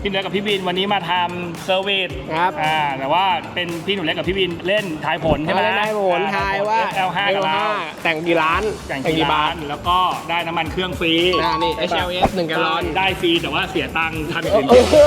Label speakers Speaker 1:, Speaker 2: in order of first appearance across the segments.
Speaker 1: พี่หนูเล็กกับพี่บินวันนี้มาทำเซอร์วิส
Speaker 2: ครับ
Speaker 1: แต่ว่าเป็นพี่หนูเล็กกับพี่บินเล่นทายผลใช่ไหม
Speaker 2: เล่นได้ผลทายว่า
Speaker 1: L5 กับเรา
Speaker 2: แต่งกี่ล้าน
Speaker 1: แต่งกี่บาทแล้วก็ได้น้ำมันเครื่องฟรี
Speaker 2: นี่ HLS 1 แกลลอน
Speaker 1: ได้ฟรีแต่ว่าเสียตังค์ทำอย่างอื่น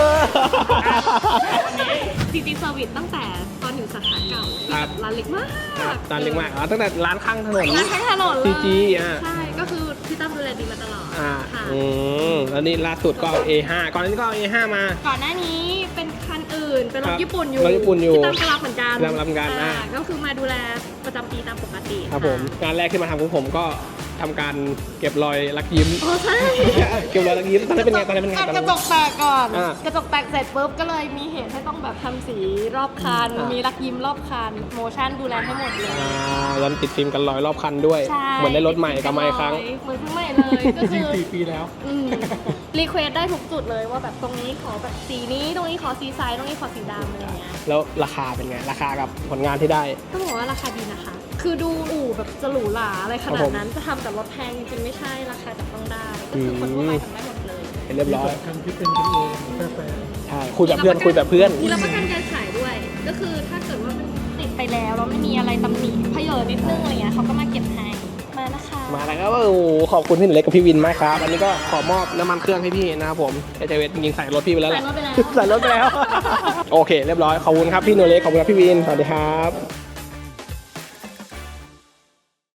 Speaker 3: จริงๆเซอร์วิสตั้งแต่ตอนอยู่สาขาเก่าร้านเล็กมาก
Speaker 2: ตอนเล็กมากตั้งแต่ร้านข้างถนน
Speaker 3: ร้านข้างถนนเลย
Speaker 2: CG
Speaker 3: ใช่ก็คือพี่ตั้มดูแลดีมาตลอดค่ะ
Speaker 2: แล้วนี่ล่าสุดก็ A5 ก่อนหน้านี้ก็ A5 มา
Speaker 3: ก่อนหน้านี้เป็นคันอื่นเป็นรถญี่ปุ่นอยู่
Speaker 2: รถญี่ปุ่นอยู่
Speaker 3: พี่ตั้มก็รับเหมือนกัน
Speaker 2: รับเหมือนกัน
Speaker 3: ก็คือมาดูแลประจำปีตามปกติ
Speaker 2: ครับผมงานแรกที่มาทำของผมก็ทำการเก็บรอยรักยิ้ม
Speaker 3: อ๋อใช่
Speaker 2: เก็บรอยรักยิ้มตอนนั้นเป็นไงตอนนั้นเป็นไง
Speaker 3: กระจกแตกก่อน
Speaker 2: อ่า
Speaker 3: กระจกแตกเสร็จปุ๊บก็เลยมีเหตุให้ต้องแบบทำสีรอบคัน มีรักยิ้มรอบคันโมชั่นดูแลให้หมดเลย
Speaker 2: ยันติดฟิล์มกันรอยรอบคันด้วย
Speaker 3: ใช่
Speaker 2: เหมือนได้รถใหม่กลับมาอีกครั้ง
Speaker 3: เหมือนเพิ่งใหม่เลยก็คือ
Speaker 1: 4 ปีแล้ว
Speaker 3: รีเควสได้ทุกจุดเลยว่าแบบตรงนี้ขอแบบสีนี้ตรงนี้ขอสีซ้ายตรงนี้ขอสีดำอะไรเงี้ย
Speaker 2: แล้วราคาเป็นไง ราคากับผลงานที่ได้
Speaker 3: ต้องบอกว่าราคาดีนะคะ คือดูอู่แบบจะหรูหราอะไรขนาดนั้นจะทำแต่รถแพงจริงๆไม่ใช่ราคาจับต้องได้ก็คือคนทั่วไปทำได้หมดเลย
Speaker 2: เป็นเรียบร้อย
Speaker 1: ทำที่เป็นกันเองแฟน
Speaker 2: ใช่คุยแบบเพื่อนคุยแบบเพื่อน
Speaker 3: มีรับประกันการขายด้วย ก็คือถ้าเกิดว่ามันติดไปแล้วแล้วไม่มีอะไรตำหนิเพเยอนิดนึงอะไรเงี้ยเขาก็มาเก็บให้มานะคะ
Speaker 2: มาแล้วครับโอ้โหขอบคุณพี่หนูเล็กกับพี่วินมากครับ อันนี้ก็ขอมอบน้ำมันเครื่องให้พี่นะครับผมเอเจเวสจริงๆใส่รถพี่ไปแล้วแหละ
Speaker 3: ใส่รถไปแล้ว
Speaker 2: ใส่รถไปแล้ว โอเค เรียบร้อย ขอบคุณครับพี่หนูเล็ก ขอบคุณครับพี่วิน สวัสดีครับ